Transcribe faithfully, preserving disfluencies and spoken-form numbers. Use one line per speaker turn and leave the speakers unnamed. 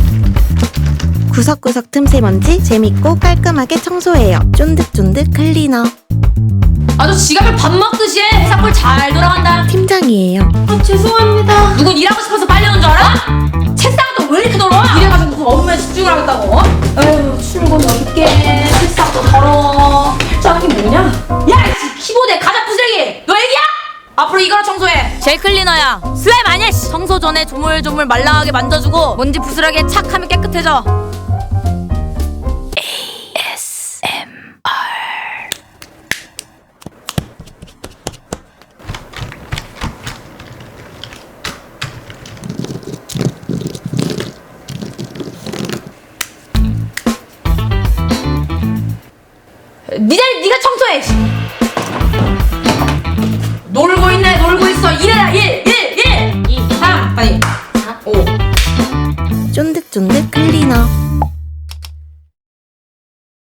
구석구석 틈새 먼지 재밌고 깔끔하게 청소해요. 쫀득쫀득 클리너.
아주 지갑을 밥 먹듯이 해. 회사 꼴 잘 돌아간다.
팀장이에요.
아 죄송합니다. 누군 일하고 싶어서 빨려온 줄 알아? 책상도 왜 이렇게 더러워? 이래가지고 무슨 업무에 집중을 하겠다고? 에휴 출근 어렵게 책상도 더러워. 저기 뭐냐? 야 이 키보드에 가자 부스레기. 너 애기야? 앞으로 이거로 청소해. 젤 클리너야. 슬라임 아니야. 청소 전에 조물조물 말랑하게 만져주고 먼지 부스러기에 착 하면 깨끗해져. 니 자리 니가 청소해. 놀고 있네. 놀고 있어. 일해라. 일, 일, 일, 이, 삼, 빨리. 사, 오.
쫀득쫀득 클리너.